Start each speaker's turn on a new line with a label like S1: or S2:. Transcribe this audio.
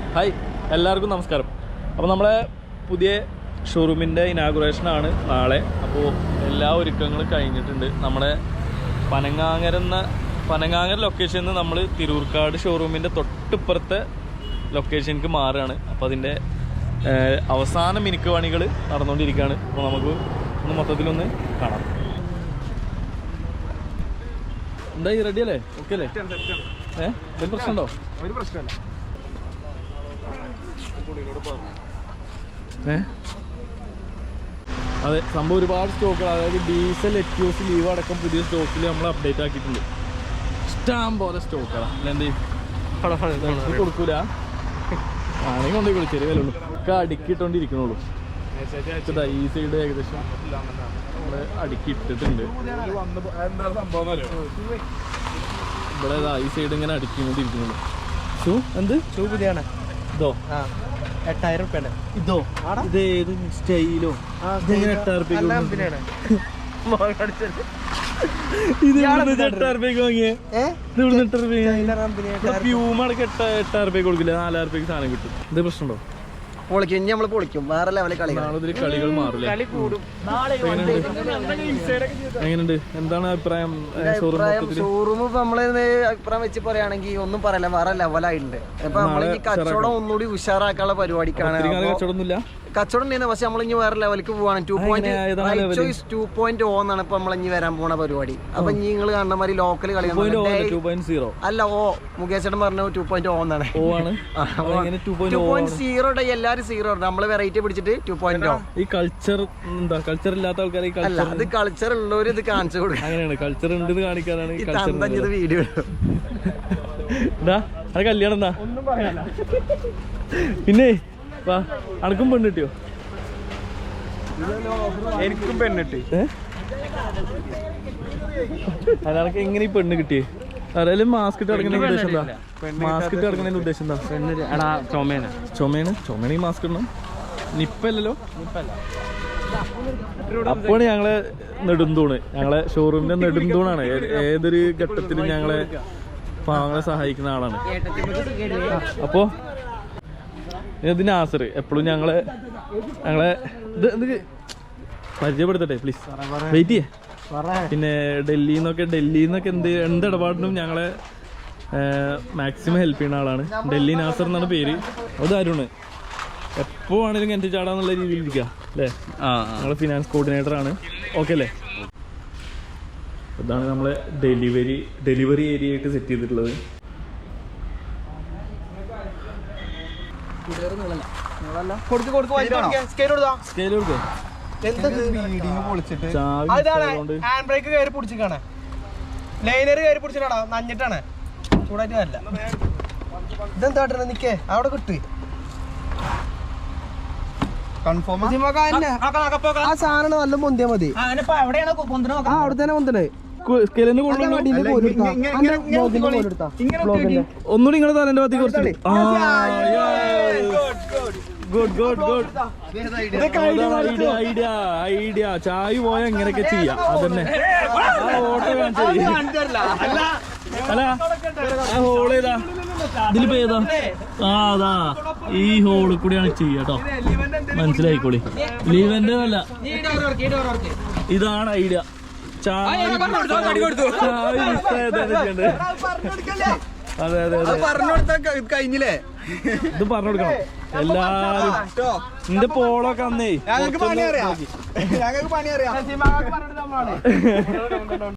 S1: Hi, എല്ലാവർക്കും നമസ്കാരം. അപ്പോൾ നമ്മളെ പുതിയ ഷോറൂമിൻ്റെ ഇനാഗുറേഷനാണ് നാളെ. അപ്പോൾ എല്ലാ ഒരുക്കങ്ങളും കഴിഞ്ഞിട്ടുണ്ട്. നമ്മുടെ പനങ്ങാങ്ങര ലൊക്കേഷനിൽ നിന്ന് നമ്മൾ തിരൂർക്കാട് ഷോറൂമിൻ്റെ തൊട്ടിപ്പുറത്തെ ലൊക്കേഷനിലേക്ക് മാറുകയാണ്. അപ്പോൾ അതിൻ്റെ അവസാന മിനുക്ക് പണികൾ നടന്നുകൊണ്ടിരിക്കുകയാണ്. അപ്പോൾ നമുക്ക് ഒന്ന് മൊത്തത്തിലൊന്ന് കാണാം. എന്തായി, റെഡി അല്ലേ? ഓക്കെ അല്ലേ? ഒരു പ്രശ്നമുണ്ടോ?
S2: ഒരു പ്രശ്നമല്ല.
S1: അതെ, സംഭവം ഒരുപാട് സ്റ്റോക്കുകൾ, അതായത് ഡീസൽ, എക്യൂസ്, ലീവ് അടക്കം പുതിയ സ്റ്റോക്കിൽ നമ്മൾ അപ്ഡേറ്റ് ആക്കിയിട്ടുണ്ട്. ഇഷ്ടം പോലെ സ്റ്റോക്കുകളാണ്. അല്ലാണ്ട് കൊടുക്കൂല, ആണെങ്കിൽ കൊണ്ടേ വിളിച്ചേരി വിലുള്ളൂ. ഒക്കെ അടുക്കിയിട്ടുകൊണ്ടിരിക്കണുള്ളൂ. ഈ സൈഡ് ഏകദേശം നമ്മൾ അടുക്കി ഇട്ടിട്ടുണ്ട്. ഇവിടെ ഈ സൈഡ് ഇങ്ങനെ അടുക്കിക്കൊണ്ടിരിക്കുന്നുള്ളൂ. ഷൂ എന്ത് ഷൂ പുതിയാണ്? ഇതോ
S2: 8000 രൂപ.
S1: ഇതോ ഇത് ഏത് സ്റ്റൈലോ? ഇതെങ്ങനെ 8000 രൂപയ്ക്ക് വാങ്ങിയേ? പ്യൂമടക്കം 8000 രൂപയ്ക്ക് കൊടുക്കില്ല, 4000 രൂപയ്ക്ക് സാധനം കിട്ടും. ഇത് പ്രശ്നമുണ്ടോ?
S2: പൊളിക്കും, നമ്മൾ പൊളിക്കും. വേറെ ലെവലിൽ
S1: കളികൾ മാറില്ല. എങ്ങനെയുണ്ട്? എന്താണ് അഭിപ്രായം?
S2: ഷോറൂം നമ്മള് അഭിപ്രായം വെച്ച് പറയുകയാണെങ്കിൽ ഒന്നും പറയല്ല, വേറെ ലെവലായിട്ടുണ്ട്. ഇപ്പൊ നമ്മള് ഈ കച്ചവടം ഒന്നുകൂടി ഉഷാറാക്കാനുള്ള പരിപാടിക്കാണ്.
S1: കച്ചവടമൊന്നുമില്ല,
S2: കച്ചവടം ഉണ്ടായിരുന്നു. പക്ഷെ നമ്മൾ ഇനി വേറെ ലെവലിലേക്ക് പോവാണ്. 2.0 എന്നാണ് ഇപ്പൊ നമ്മൾ ഇനി വരാൻ പോണ പരിപാടി. അപ്പൊ ഇനി നിങ്ങൾ കാണുന്ന മാതിരി ലോക്കൽ കളി അല്ല. മുകേഷ് ചേട്ടൻ പറഞ്ഞു 2.0 എന്നാണ്. 2.0 എല്ലാരും 0 നമ്മള് വെറൈറ്റി പിടിച്ചിട്ട് 2.0.
S1: ഈ കൾച്ചർ എന്താ? കൾച്ചർ ഇല്ലാത്ത ആൾക്കാരെ
S2: അല്ല, അത് കൾച്ചർ ഉള്ളവര് ഇത് കാണിച്ചു കൊടുക്കും.
S1: അങ്ങനെയാണ്, കൾച്ചർ ഉണ്ട് കാണിക്കാനാണ്
S2: വീഡിയോ.
S1: അത് കല്യാണം എന്താ? പിന്നെ അനക്കും പെണ്ണ് കിട്ടിയോ?
S2: എനിക്കും പെണ്ണിട്ട്.
S1: അയാൾക്ക് എങ്ങനെ ഈ പെണ്ണ് കിട്ടിയേ? ആരായാലും മാസ്ക് ഇട്ട് കിടക്കുന്നതിന് ഉദ്ദേശം എന്താ? മാസ്ക് ഇട്ട് കിടക്കുന്നതിന്റെ ഉദ്ദേശം എന്താ? ചുമയാണ് ഈ മാസ്ക് ഇടണം. നിപ്പല്ലോ. അപ്പോഴാണ് ഞങ്ങളെ നെടുന്തൂണ്, ഞങ്ങളെ ഷോറൂമിന്റെ നെടുന്തൂണാണ്. ഏതൊരു ഘട്ടത്തിലും ഞങ്ങളെ പാവങ്ങളെ സഹായിക്കുന്ന ആളാണ്. അപ്പോ ഇത് നാസർ എപ്പോഴും ഞങ്ങളെ ഇത് പരിചയപ്പെടുത്തട്ടെ പ്ലീസ്, വെയിറ്റ് ചെയ്യേ. പിന്നെ ഡൽഹിയിൽ നിന്നൊക്കെ എന്ത് ഇടപാടിനും ഞങ്ങളെ മാക്സിമം ഹെൽപ്പ് ചെയ്യുന്ന ആളാണ്. ഡൽഹി നാസർ എന്നാണ് പേര്. അത് അരുണ്. എപ്പോ ആണെങ്കിലും കിണറ്റി ചാടാന്നുള്ള രീതിയിൽ ഇരിക്കുക അല്ലേ? ഞങ്ങളെ ഫിനാൻസ് കോർഡിനേറ്റർ ആണ്. ഓക്കെ അല്ലേ? ഇതാണ് നമ്മളെ ഡെലിവറി ഏരിയ ആയിട്ട് സെറ്റ് ചെയ്തിട്ടുള്ളത്.
S2: നഞ്ഞിട്ടാണ് ചൂടായിട്ട് വരില്ല. ഇതെന്താ നിക്കേ അവിടെ കിട്ടി കൺഫേം. ആ സാധനം നല്ല പൊന്തിയാ മതി. അവിടെ തന്നെ പൊന്തണേ.
S1: ഒന്നുകൂടി നിങ്ങളെ തലേന്റെ ഭാഗത്തേക്ക് കുറച്ചിട്ട് ഐഡിയ ചായ പോയാ എങ്ങനെയൊക്കെ ചെയ്യാം. അതന്നെ ഓട്ടോ കാണിച്ചത്. അല്ല ആ ഹോൾ ഏതാ? ഇതിലിപ്പോ ഏതാ? അതാ ഈ ഹോളിൽ കൂടിയാണ് ചെയ്യാട്ടോ. മനസ്സിലായിക്കോളി. ലീവന്റെ അല്ല, ഇതാണ് ഐഡിയ.
S2: കഴിഞ്ഞില്ലേ?
S1: ഇത് പറഞ്ഞു കൊടുക്കണം എല്ലാരും. നിന്റെ പോളൊക്കെ അന്നേ
S2: ഞങ്ങൾക്ക് പണി അറിയാം.